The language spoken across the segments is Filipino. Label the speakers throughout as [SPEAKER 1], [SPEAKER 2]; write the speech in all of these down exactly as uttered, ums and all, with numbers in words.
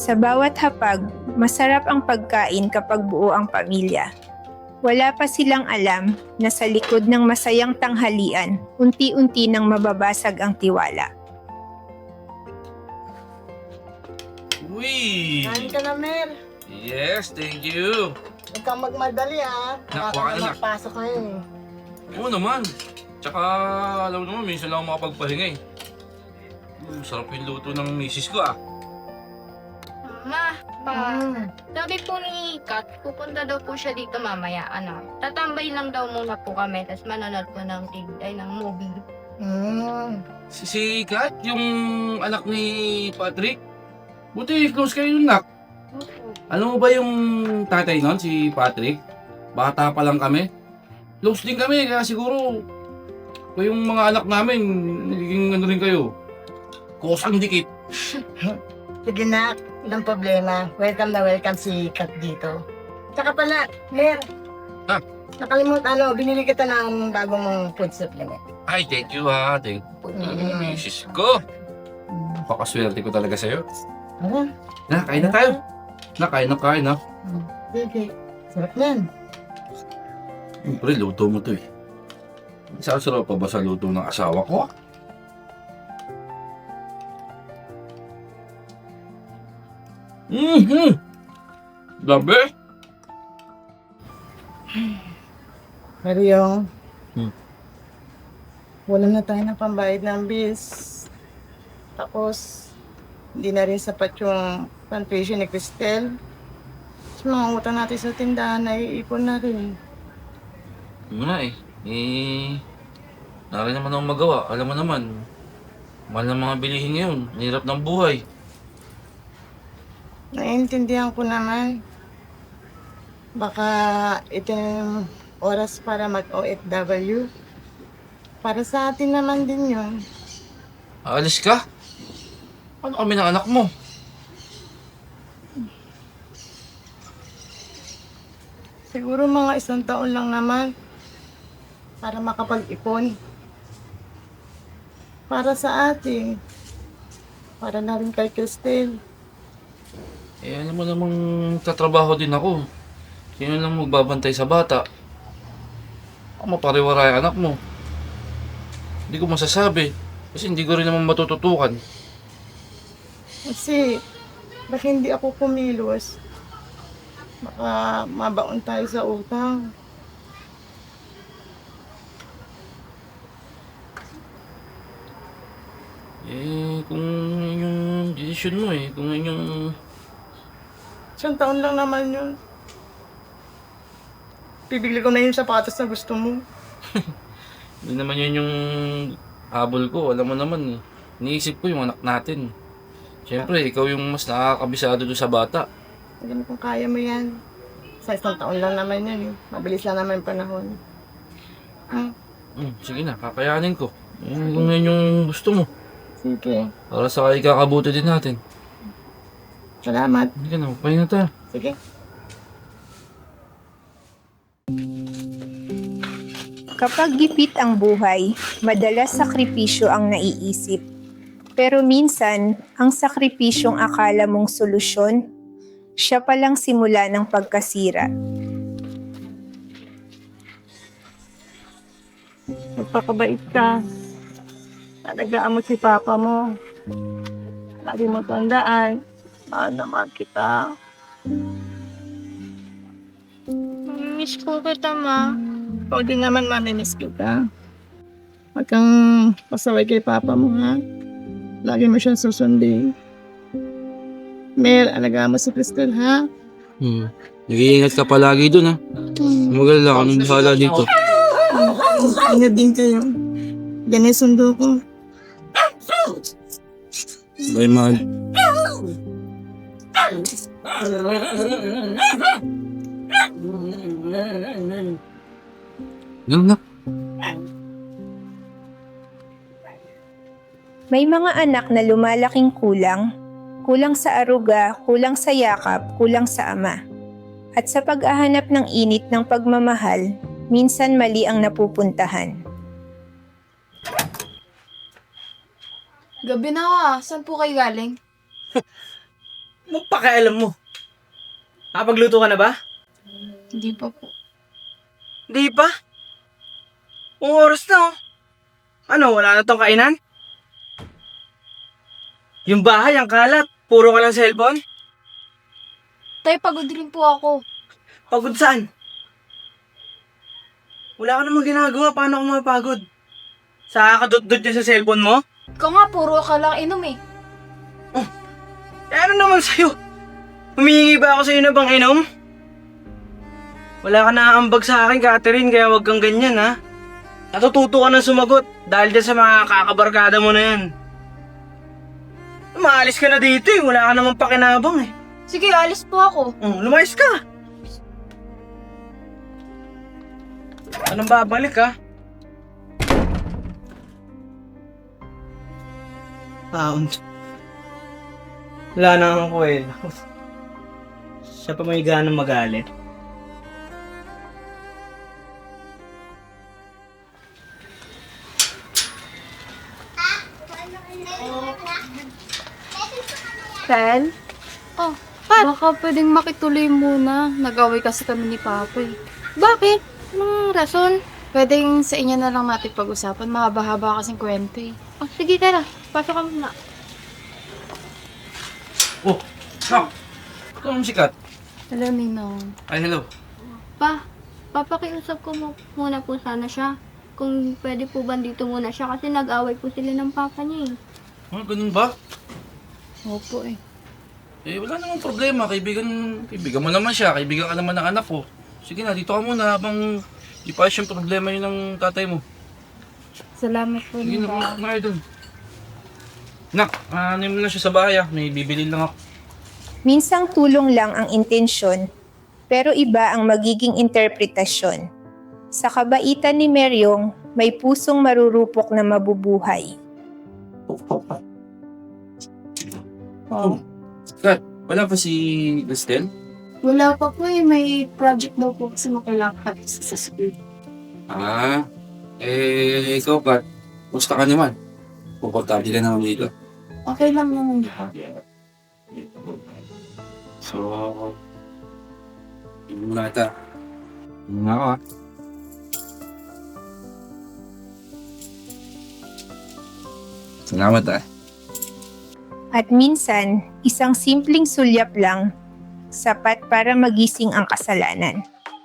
[SPEAKER 1] Sa bawat hapag, masarap ang pagkain kapag buo ang pamilya. Wala pa silang alam na sa likod ng masayang tanghalian, unti-unti nang mababasag ang tiwala.
[SPEAKER 2] Uy!
[SPEAKER 3] Kain ka na, Mer.
[SPEAKER 2] Yes, thank you.
[SPEAKER 3] Huwag kang magmadali, ha.
[SPEAKER 2] Naku,
[SPEAKER 3] Baka
[SPEAKER 2] ano na?
[SPEAKER 3] magpasok kayo, eh.
[SPEAKER 2] Oo naman. Tsaka, alam mo naman, minsan lang ako makapagpahinga eh. Mm, sarap yung luto ng misis ko ah.
[SPEAKER 4] Ma, pa,
[SPEAKER 3] Mm.
[SPEAKER 4] sabi po ni Kat, pupunta daw po siya dito mamaya, ano. Tatambay lang daw muna po kami, tapos manonood po ng, tig- ay, ng movie.
[SPEAKER 3] Mm.
[SPEAKER 2] Si, si Kat, yung anak ni Patrick. Buti, close kayo nun, nak. Alam mo ba yung tatay nun, si Patrick? Bata pa lang kami. Close din kami, kaya siguro yung mga anak namin, nagiging ano rin kayo. Kusang dikit.
[SPEAKER 3] Sige na, walang problema. Welcome na welcome si Kat dito. Tsaka pala, Mer.
[SPEAKER 2] Ah.
[SPEAKER 3] Nakalimutan, ano, binili kita ng bago mong food supplement.
[SPEAKER 2] Ay, thank you ha. Thank you. Mm, misis ko. Pakaswerte ko talaga sa'yo.
[SPEAKER 3] Ano?
[SPEAKER 2] Na, kain na tayo. Na, kain na kain ha.
[SPEAKER 3] Sige. Sarap yan.
[SPEAKER 2] Pre, luto mo to eh. Saan sarap pa ba sa luto ng asawa ko? Mm-hmm! Labi!
[SPEAKER 3] Mario.
[SPEAKER 2] Hmm.
[SPEAKER 3] Wala na tayo ng pambayad ng bills. Tapos, hindi na rin sapat yung pan-tuition ni Cristel. Sa mga utang natin sa tindahan, naiipon na rin.
[SPEAKER 2] Ano na eh. Eh... Narin naman akong magawa. Alam mo naman. Mahal ng mga bilihin ngayon. Ang hirap ng buhay.
[SPEAKER 3] Naiintindihan ko naman. Baka ito na yung oras para mag-O F W. Para sa atin naman din yun.
[SPEAKER 2] Aalis ka? Ano kami ng anak mo?
[SPEAKER 3] Siguro mga isang taon lang naman. Para makapag-ipon. Para sa atin. Para na rin kay Cristel.
[SPEAKER 2] Eh, alam mo namang tatrabaho din ako. Sino lang magbabantay sa bata? Ako mapariwara yung anak mo. Hindi ko masasabi. Kasi hindi ko rin naman matututukan.
[SPEAKER 3] Kasi, ba't hindi ako kumilos? Baka mabaon tayo sa utang.
[SPEAKER 2] Eh, kung yun yung desisyon mo eh. Kung yun yung...
[SPEAKER 3] Isang taon lang naman yun. Bibili ko na yung sapatos na gusto mo.
[SPEAKER 2] Hindi naman yun yung habol ko. Alam mo naman eh. Iniisip ko yung anak natin. Siyempre, ikaw yung mas nakakabisado doon sa bata.
[SPEAKER 3] Sabi kung kaya mo yan. Sa isang taon lang naman yan. eh. Mabilis lang naman yung panahon. Ah,
[SPEAKER 2] Hmm, sige na, kakayanin ko. Eh, kung yun yung gusto mo.
[SPEAKER 3] sige.
[SPEAKER 2] Para sa ikakabuti din natin.
[SPEAKER 3] Salamat.
[SPEAKER 2] Hindi ka na, magpahinga tayo.
[SPEAKER 3] Sige.
[SPEAKER 1] Kapag gipit ang buhay, madalas sakripisyo ang naiisip. Pero minsan, ang sakripisyong akala mong solusyon, siya palang simula ng pagkasira.
[SPEAKER 3] Magpakabait ka. Talagaan mo si papa mo. Lagi mo tandaan. Mahal naman kita.
[SPEAKER 4] Miss ko kita, ma.
[SPEAKER 3] Ikaw din naman mamimiss kita. Huwag kang pasaway kay papa mo, ha? Lagi mo siyang susundin. Mer, alagaan mo si Cristel, ha?
[SPEAKER 2] Hmm. Nag-iingat ka palagi dun ha. Magal lang, anong bahala dito?
[SPEAKER 3] Ingat din kayo. Yan yung sundo ko.
[SPEAKER 2] Bye, mahal. Ganun na.
[SPEAKER 1] May mga anak na lumalaking kulang, kulang sa aruga, kulang sa yakap, kulang sa ama. At sa pag-ahanap ng init ng pagmamahal, minsan mali ang napupuntahan.
[SPEAKER 5] Gabi na ah. Saan po kayo galing? Anong pakialam mo? Nakapagluto ka na ba?
[SPEAKER 4] Hindi pa po.
[SPEAKER 5] Hindi pa. Kung oras na oh. Ano, wala na tong kainan? Yung bahay, ang kalat. Puro ka lang cellphone?
[SPEAKER 4] Tay, pagod rin po ako.
[SPEAKER 5] Pagod saan? Wala ka namang ginagawa. Paano ako mapagod? Sa kadot-dot niya sa cellphone mo?
[SPEAKER 4] Ikaw nga, puro ka lang inom eh.
[SPEAKER 5] Eh ano naman sa'yo? Humihingi ba ako sa'yo na bang inom? Wala ka naaambag sa akin, Catherine, kaya wag kang ganyan, ha? Natututo ka ng sumagot dahil dyan sa mga kakabarkada mo na yan. Maalis ka na dito eh, wala ka namang pakinabang eh.
[SPEAKER 4] Sige, alis po ako.
[SPEAKER 5] Oh, lumayas ka! Anong babalik, ha? Taon. Wala na akong kwela. Siya pa may ganang magalit.
[SPEAKER 6] Tel?
[SPEAKER 4] Oh,
[SPEAKER 6] Baka pwedeng makituloy muna. Nag-away kasi kami ni Papa eh.
[SPEAKER 4] bakit? Anong rason?
[SPEAKER 6] Pwedeng sa inyo na lang natin pag-usapan. Mahaba-haba kasing kwento eh.
[SPEAKER 4] Oh, sige, tara. Pasok ka muna.
[SPEAKER 2] Oh, Nak! Ito ang sikat.
[SPEAKER 6] Hello, Ninong.
[SPEAKER 2] Ay, hello.
[SPEAKER 4] Pa, papakiusap ko mo muna po sana siya. Kung pwede po ba dito muna siya kasi nag-away po sila ng papa niya eh.
[SPEAKER 2] Ah, ganun ba?
[SPEAKER 6] Opo eh.
[SPEAKER 2] Eh, wala namang problema. Kaibigan, kaibigan mo naman siya. Kaibigan ka naman ng anak ko. Sige na, dito ka muna habang di pa siyang problema yun ng tatay mo.
[SPEAKER 6] Salamat po,
[SPEAKER 2] Sige na,
[SPEAKER 6] Ninong.
[SPEAKER 2] kumain kumain doon. Nak, ano mo na siya sa bahay ah. May bibili lang ako.
[SPEAKER 1] Minsang tulong lang ang intensyon, pero iba ang magiging interpretasyon. Sa kabaitan ni Meryong, may pusong marurupok na mabubuhay.
[SPEAKER 2] Oh. Kat, wala pa si Cristel?
[SPEAKER 6] Wala pa po eh. May project daw po kasi makailangan sa school.
[SPEAKER 2] Ah, eh, ikaw Kat, gusto ka naman. Pupuntabi ka naman dito.
[SPEAKER 6] Okay lang naman po.
[SPEAKER 2] So, hindi mo na ata. Hindi nga ako ah. Salamat ah.
[SPEAKER 1] At minsan, isang simpleng sulyap lang, sapat para magising ang kasalanan.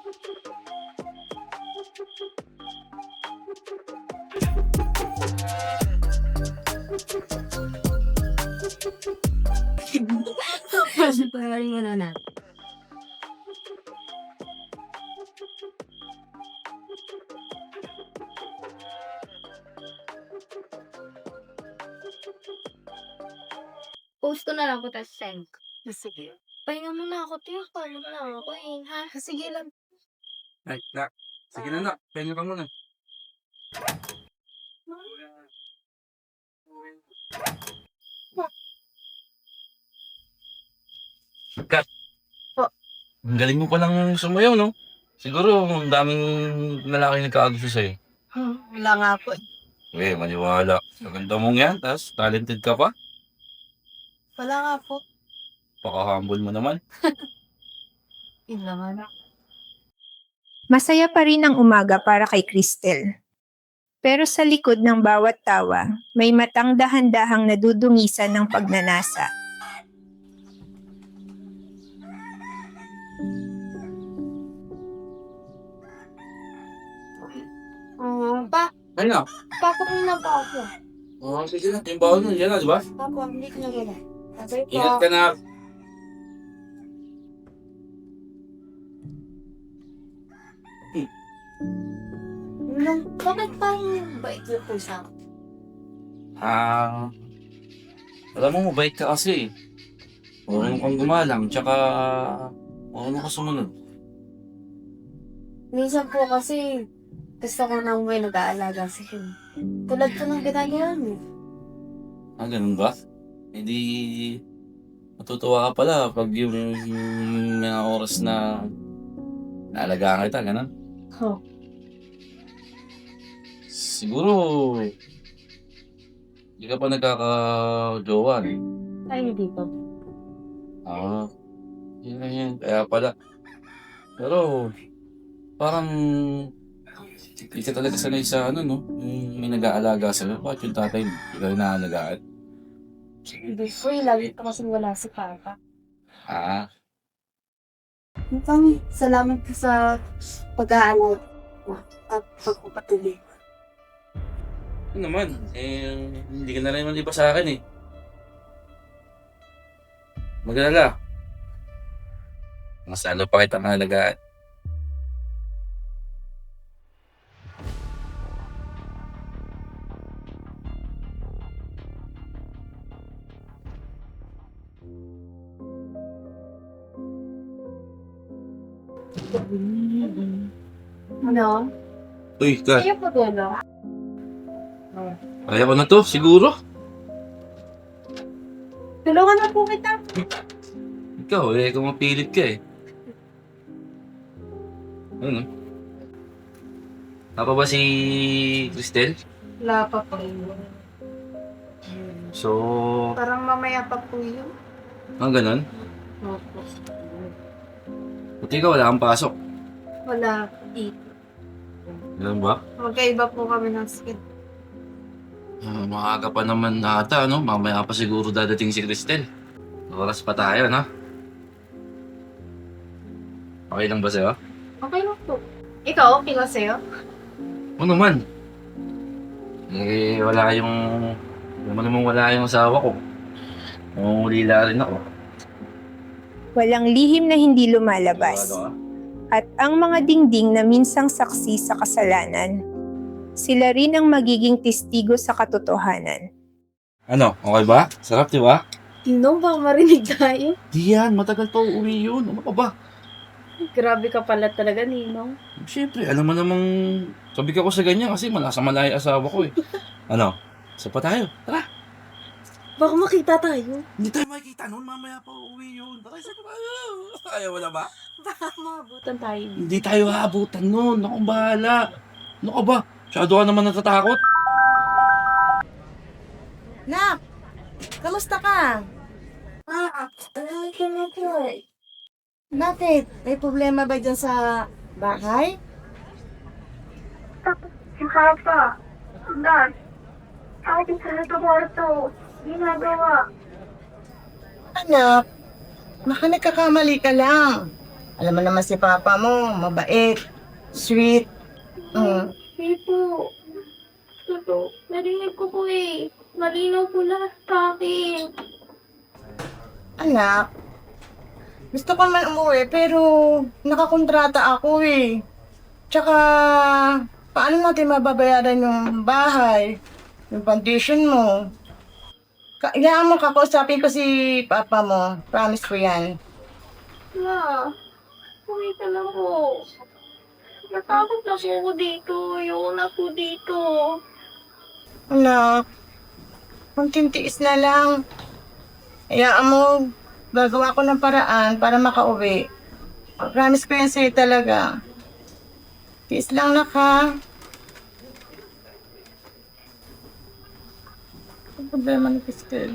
[SPEAKER 4] Bayarin mo na na. Post ko na lang ko tapos send.
[SPEAKER 6] Sige.
[SPEAKER 4] Pahinga muna ako, tiyo. Paano na ako eh, ha?
[SPEAKER 6] Sige lang.
[SPEAKER 2] Ay, nak. Sige na nak, pengen ka muna. Kat.
[SPEAKER 6] Po.
[SPEAKER 2] Ang galing mo palang sumayaw, no? Siguro, ang daming lalaki nagkakagusto sa'yo.
[SPEAKER 3] Hmm, wala nga po eh.
[SPEAKER 2] Eh, maniwala. Maganda mong yan, tas talented ka pa.
[SPEAKER 3] Wala nga po.
[SPEAKER 2] Paka-humble mo naman.
[SPEAKER 6] Yun lang ano.
[SPEAKER 1] Masaya pa rin ang umaga para kay Cristel. Pero sa likod ng bawat tawa, may matang dahan-dahang nadudungisan ng pagnanasa.
[SPEAKER 4] Ah, pa,
[SPEAKER 2] Ay na.
[SPEAKER 4] papakuin na pa ako.
[SPEAKER 2] Oh, sige na. Yung bawal mo, yan na, di ba?
[SPEAKER 4] Papa, hindi ko na gala. Sabay po.
[SPEAKER 2] Ingat ka na.
[SPEAKER 4] Nung, bakit pa yung bait niyo po sa akin?
[SPEAKER 2] Ah, alam mo, mabait ka kasi. Marunong kang gumalang, tsaka marunong ka sumunod.
[SPEAKER 6] Minsan po kasi gusto ko nang may nag-aalaga sa akin. Tulad po ng ginagawa mo.
[SPEAKER 2] Ah, ganun ba? Hindi matutuwa ka pala pag yung, yung mga oras na naalagaan kita, ganun.
[SPEAKER 6] Oh.
[SPEAKER 2] Siguro, hindi ka pa nagkaka-jowa, eh.
[SPEAKER 6] Ay, hindi po.
[SPEAKER 2] Ah, yun, yun. Kaya pala. Pero, parang, hindi ka talaga sanay sa ano, no? Yung may nag-aalaga sa'yo. Bakit yung tatay mo? Hindi ka rin naalagaan?
[SPEAKER 6] Hindi po eh, lagi pa kasi wala si Papa.
[SPEAKER 2] Ah,
[SPEAKER 6] Mukhang salamat po sa pag-aaral at pagpapatuloy.
[SPEAKER 2] yun naman. Eh, hindi ka na rin maliba sa akin eh. Mag-alala. Mas lalo pa kita mahalagaan.
[SPEAKER 6] Ano?
[SPEAKER 2] Uy, Kat.
[SPEAKER 6] Kayo po dulo?
[SPEAKER 2] Kaya ko na to, siguro.
[SPEAKER 6] Tulungan na po kita.
[SPEAKER 2] Ikaw, eh, kung mapilit ka eh. Ano? Apa ba si Cristel?
[SPEAKER 6] Wala pa po.
[SPEAKER 2] So,
[SPEAKER 6] Parang mamaya pa po yun.
[SPEAKER 2] ang ganon?
[SPEAKER 6] Opo.
[SPEAKER 2] Buti ka, wala kang pasok.
[SPEAKER 6] Wala dito.
[SPEAKER 2] Ganun ba?
[SPEAKER 6] Magkaiba po kami ng skin.
[SPEAKER 2] Ah, maaga pa naman ata, no? Mamaya pa siguro dadating si Cristel. Oras pa tayo, no? Okay lang ba sa'yo?
[SPEAKER 6] Okay lang po. Ikaw, okay lang sa'yo?
[SPEAKER 2] Oo naman. Eh, wala yung... Naman namang wala yung asawa ko. Nangungulila rin ako.
[SPEAKER 1] Walang lihim na hindi lumalabas.
[SPEAKER 2] Ano ka?
[SPEAKER 1] At ang mga dingding na minsang saksi sa kasalanan, sila rin ang magiging testigo sa katotohanan.
[SPEAKER 2] Ano? Okay ba? Sarap, di ba?
[SPEAKER 6] Tino, baka marinig tayo.
[SPEAKER 2] Di yan. Matagal pa uuwi yun. Ano ka ba?
[SPEAKER 6] Grabe ka pala talaga, Ninong.
[SPEAKER 2] Siyempre, alam mo namang... Sabi ka ko sa ganyan kasi malasa malaya asawa ko eh. Ano? Isa pa tayo. Tara.
[SPEAKER 6] Baka makita tayo.
[SPEAKER 2] Hindi tayo makikita noon. Mamaya pa uuwi yun. Tara, isa pa tayo. Ayaw mo na ba?
[SPEAKER 6] Baka maabutan tayo.
[SPEAKER 2] Hindi tayo haabutan noon. Akong bahala. Ano ka ba? Masyado ka naman natatakot.
[SPEAKER 3] Nak! Kamusta ka?
[SPEAKER 6] Ah, ano ka na po eh?
[SPEAKER 3] Bakit? May problema ba dyan sa bahay?
[SPEAKER 4] Si Papa, Dad, akin sa kwarto, ginagawa.
[SPEAKER 3] Anak, baka nagkakamali ka lang. Alam mo naman si Papa mo, mabait, sweet. Mm.
[SPEAKER 4] Hindi po. Totoo. Narinig ko po eh. Malinaw po lahat sa akin.
[SPEAKER 3] Anak, gusto ko man umuwi pero nakakontrata ako eh. Tsaka, paano natin mababayaran yung bahay, yung foundation mo? Kailangan mo kakausapin ko si Papa mo. Promise ko yan.
[SPEAKER 4] Ma, uwi ka na po. Natakot na po ako dito. Ayoko na po dito.
[SPEAKER 3] Anak, magtintiis na lang. Hayaan mo, gagawa ko ng paraan para makauwi. Promise ko yan sa'yo talaga. Tiis lang na ka. Ang problema ni Cristel.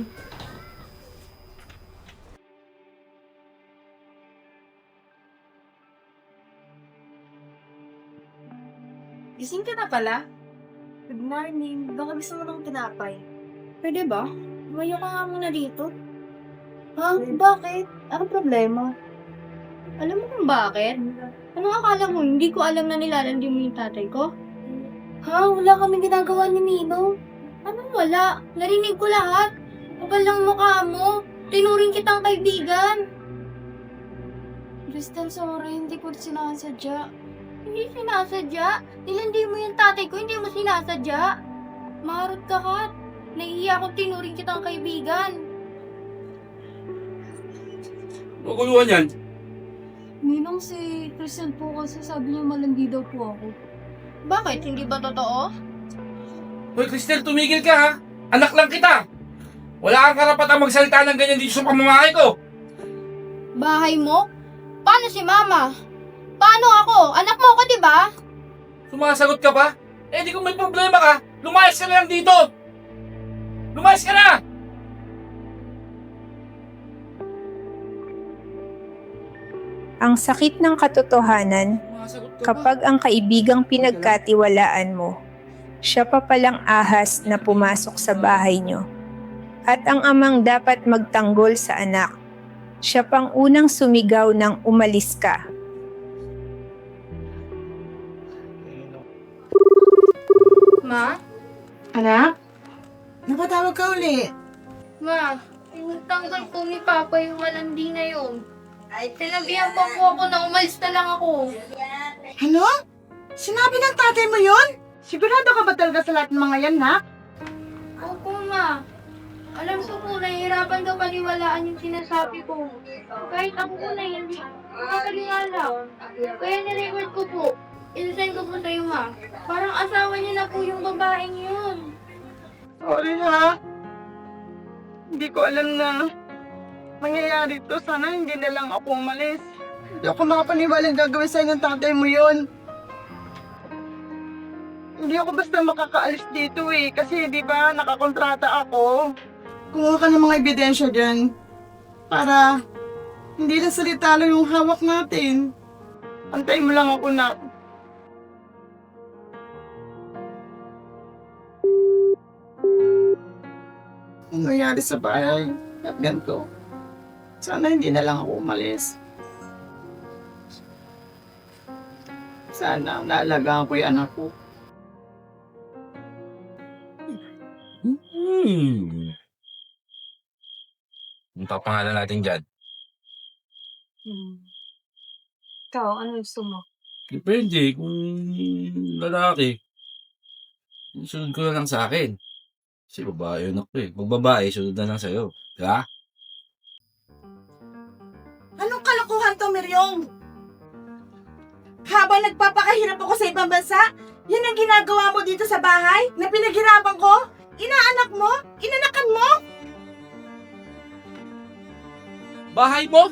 [SPEAKER 6] Gising ka na pala? Good morning. Baka gusto mo ng tinapay. Pwede ba? Lumayo ka nga muna dito. Ha? Bakit? Anong problema?
[SPEAKER 4] Alam mo kung bakit? Anong akala mo? Hindi ko alam na nilalandi mo yung tatay ko?
[SPEAKER 6] Ha? Wala kaming ginagawa ni Nino.
[SPEAKER 4] Anong wala? Narinig ko lahat. Kapal lang mukha mo. Tinuring kitang kaibigan.
[SPEAKER 6] Crystal, sorry. Hindi ko sinasadya.
[SPEAKER 4] Hindi sinasadya. Nilandi mo yung tatay ko, hindi mo sinasadya. Marot ka, Kat. Naiiya akong tinuring kitang kaibigan.
[SPEAKER 2] Maguluhan yan.
[SPEAKER 6] Ninong, si Crystal po kasi sabi niya malandi daw po ako.
[SPEAKER 4] Bakit? Hindi ba totoo?
[SPEAKER 2] Hoy, Cristel, tumigil ka ha. Anak lang kita. Wala kang karapatang magsalita ng ganyan dito sa pamamahay ko.
[SPEAKER 4] Bahay mo? Paano si Mama? Paano ako? Anak mo ako, di ba?
[SPEAKER 2] Sumasagot ka pa? Eh, di kung may problema ka, lumayas ka na lang dito. Lumayas ka na!
[SPEAKER 1] Ang sakit ng katotohanan
[SPEAKER 2] Sumasagot ka ba?
[SPEAKER 1] kapag ang kaibigang pinagkatiwalaan mo, siya pa palang ahas na pumasok sa bahay nyo. At ang amang dapat magtanggol sa anak, siya pang unang sumigaw ng umalis ka.
[SPEAKER 4] Ma?
[SPEAKER 3] Anak? Napatawag ka uli.
[SPEAKER 4] Ma, tinutanggal po ni Papa yung malandi na yun. Sinabihan pa po ako na umalis na lang ako.
[SPEAKER 3] Ano? Sinabi ng tatay mo yun? Sigurado ka ba talaga sa lahat ng mga yan, nak?
[SPEAKER 4] Opo, Ma. Alam ko po, nahihirapan ka paniwalaan yung sinasabi ko. Kahit ako po na hindi makapaniwala. Kaya nirecord ko po. Inisend ko po sa'yo, Ma. Parang asawa niya na po yung babaeng yun.
[SPEAKER 3] Sorry ha. Hindi ko alam na mangyayari to. Sana hindi na lang ako umalis. Hindi ako makapaniwalang gagawin sa'yo ng tatay mo yun. Hindi ako basta makakaalis dito eh. Kasi di ba nakakontrata ako. Kumuha ka ng mga ebidensya dyan. Para hindi na salita lang yung hawak natin. Antay mo lang ako na. Ang nangyari sa bahay at ganito. Sana hindi na lang ako umalis. Sana naalagaan ko yung anak ko.
[SPEAKER 2] Hmm. Ang papangalan natin dyan.
[SPEAKER 6] Hmm. Ikaw, ano gusto mo?
[SPEAKER 2] Depende kung lalaki. Sunod ko na lang sa akin. Kasi babae yun ako eh. Pag babae, sunod na lang sa'yo. Diba?
[SPEAKER 7] Anong kalokohan to, Miryong? Habang nagpapakahirap ako sa ibang bansa, yan ang ginagawa mo dito sa bahay na pinaghirapan ko? Inaanak mo? Inanakan mo?
[SPEAKER 2] Bahay mo?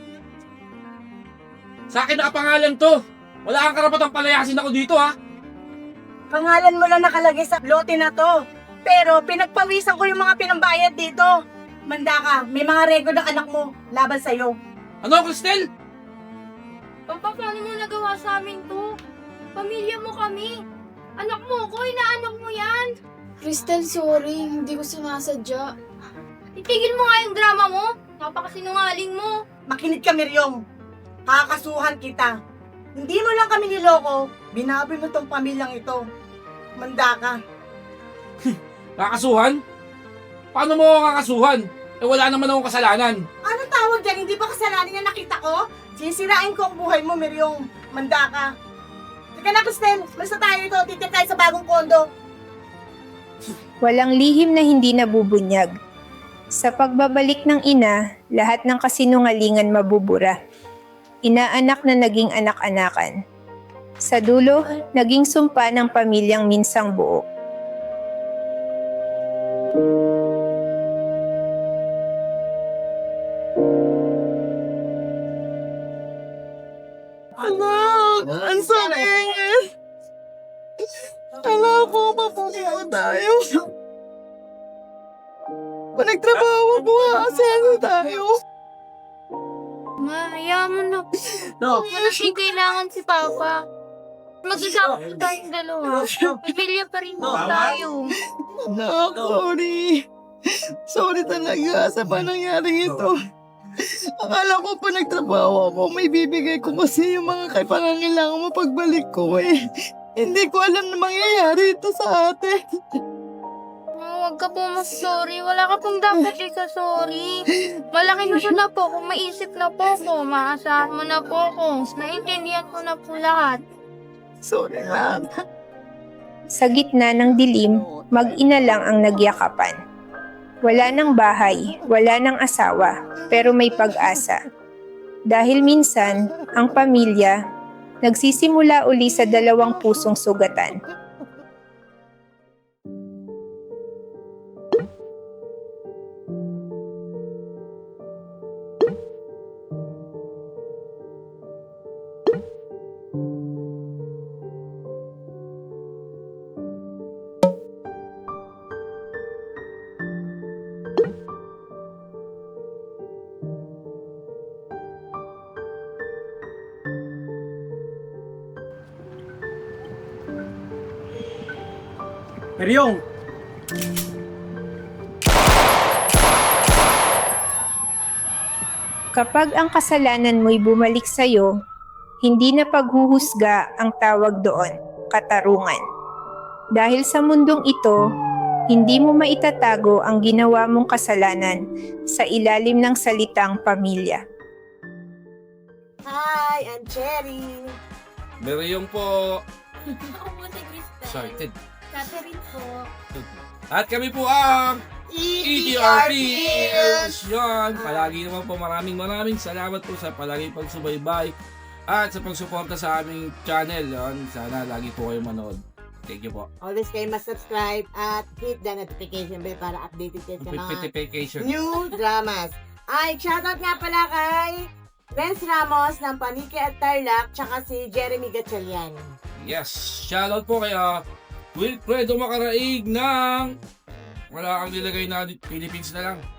[SPEAKER 2] Sa akin nakapangalan to. Wala kang karapatang palayasin ako dito ha.
[SPEAKER 7] Pangalan mo lang nakalagay sa lote na to. Pero pinagpawisan ko yung mga pinambayad dito. Manda ka, may mga record ng anak mo laban sa'yo.
[SPEAKER 2] Ano, Cristel?
[SPEAKER 4] Papa, paano mo nagawa sa amin to? Pamilya mo kami. Anak mo ko, inaanak mo yan.
[SPEAKER 6] Crystal, sorry. Hindi ko sinasadya.
[SPEAKER 4] Itigil mo nga yung drama mo. Napakasinungaling mo.
[SPEAKER 7] Makinig ka, Miryong. Kakasuhan kita. Hindi mo lang kami niloko, binabi mo tong pamilyang ito. Manda ka.
[SPEAKER 2] Kakasuhan? Paano mo ako kakasuhan? Eh wala naman akong kasalanan.
[SPEAKER 7] Anong tawag dyan? Hindi ba kasalanan niya nakita ko? Sisirain ko ang buhay mo, Miryong. Manda ka. Teka na, Cristel. Basta tayo ito. Titip tayo sa bagong kondo.
[SPEAKER 1] Walang lihim na hindi nabubunyag. Sa pagbabalik ng ina, lahat ng kasinungalingan mabubura. Inaanak na naging anak-anakan. Sa dulo, naging sumpa ng pamilyang minsang buo.
[SPEAKER 3] Anak! Ang sakit! Anak ko, mapupunta tayo. Pag nagtrabaho mo nga kasi ano tayo.
[SPEAKER 4] Ma, hayaan mo na.
[SPEAKER 3] No.
[SPEAKER 4] Wala siyang kailangan si Papa. Mag-isama po tayong dalawa. Pamilya pa rin po tayo.
[SPEAKER 3] Anak, sorry. Sorry talaga sa pa nangyari ito. Akala ko pa nagtrabaho ako, may bibigay ko kasi yung mga pangangailangan mo pagbalik ko eh. Hindi ko alam na mangyayari ito sa atin.
[SPEAKER 4] Ma, huwag ka po mas-sorry. Wala ka pong dapat ika-sorry. Malaki na po na po. Kung maisip na po ko, maasahan mo na po ko. Naintindihan ko na po lahat.
[SPEAKER 3] Sorry lang.
[SPEAKER 1] Sa gitna ng dilim, mag-ina lang ang nagyakapan. Wala ng bahay, wala ng asawa, pero may pag-asa. Dahil minsan, ang pamilya, nagsisimula uli sa dalawang pusong sugatan.
[SPEAKER 5] Meryong!
[SPEAKER 1] Kapag ang kasalanan mo'y bumalik sa'yo, hindi na paghuhusga ang tawag doon, katarungan. Dahil sa mundong ito, hindi mo maitatago ang ginawa mong kasalanan sa ilalim ng salitang pamilya.
[SPEAKER 7] Hi, I'm Cherry.
[SPEAKER 2] Meron po.
[SPEAKER 6] Ako po si Crystal.
[SPEAKER 2] Excited.
[SPEAKER 6] Catherine po.
[SPEAKER 2] At kami po ang E T R Pills! Yan,
[SPEAKER 7] Ah.
[SPEAKER 2] palagi naman po maraming maraming salamat po sa palagi pagsubaybay at sa pagsuporta sa aming channel. Yan, sana lagi po kayo manood. Thank you po.
[SPEAKER 7] Always kayo mag-subscribe at hit the notification bell para updated kayo sa mga
[SPEAKER 2] Notification.
[SPEAKER 7] new dramas. Ay, shoutout nga pala kay Renz Ramos ng Paniki at Tarlac, tsaka si Jeremy Gatchalian.
[SPEAKER 2] Yes, shoutout po kaya Wilfredo Makaraig ng wala kang nilagay na Philippines na lang.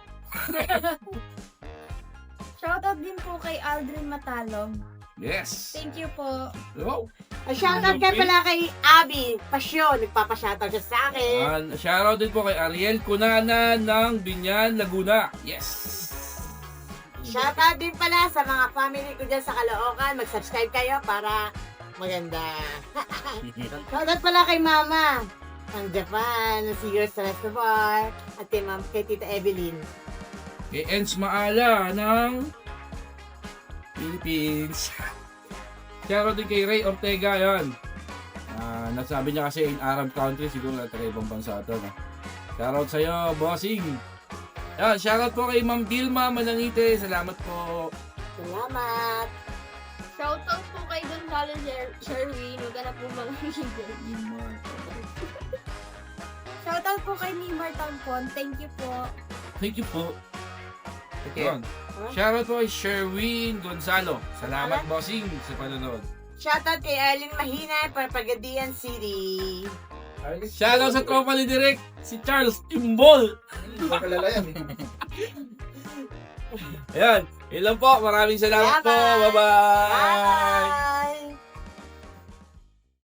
[SPEAKER 6] Shoutout din po kay Aldrin Matalog.
[SPEAKER 2] Yes.
[SPEAKER 6] Thank you po.
[SPEAKER 2] Oh.
[SPEAKER 7] Ay, shoutout nga pala kay Abby Pasyon. Nagpapa-shoutout siya sa akin.
[SPEAKER 2] And shoutout din po kay Ariel Cunana ng Binyan, Laguna. Yes.
[SPEAKER 7] Shoutout din pala sa mga family ko dyan sa Caloocan. Mag-subscribe kayo para maganda. Shoutout pala kay Mama ng Japan, si Yours sa Reservoir, at kay, Ma'am, kay Tita Evelyn.
[SPEAKER 2] Kay Ens Maala ng Philippines. Shoutout din kay Ray Ortega, yan. Ah, nasabi niya kasi in Arab country, siguro na taga ibang bansa ito. No? Shoutout sa'yo, bossing. Yan, shoutout po kay Ma'am Vilma Manangite. Salamat po.
[SPEAKER 7] Salamat!
[SPEAKER 6] Shoutout po kay Gonzalo Sher- Sherwin. Huwag ka na po mga Shoutout po kay Nimar Tampon. Thank you po.
[SPEAKER 2] Thank you po. Yan. Shoutout po kay Sherwin Gonzalo. Salamat, bossing, sa panonood.
[SPEAKER 7] Shoutout kay Arlene Mahina, Parpagadian City.
[SPEAKER 2] Shoutout sa tropa ni Direk, si Charles Timbol. Ayan, ilan po. Maraming salamat po.
[SPEAKER 7] Salamat.
[SPEAKER 2] Bye-bye.
[SPEAKER 7] Bye!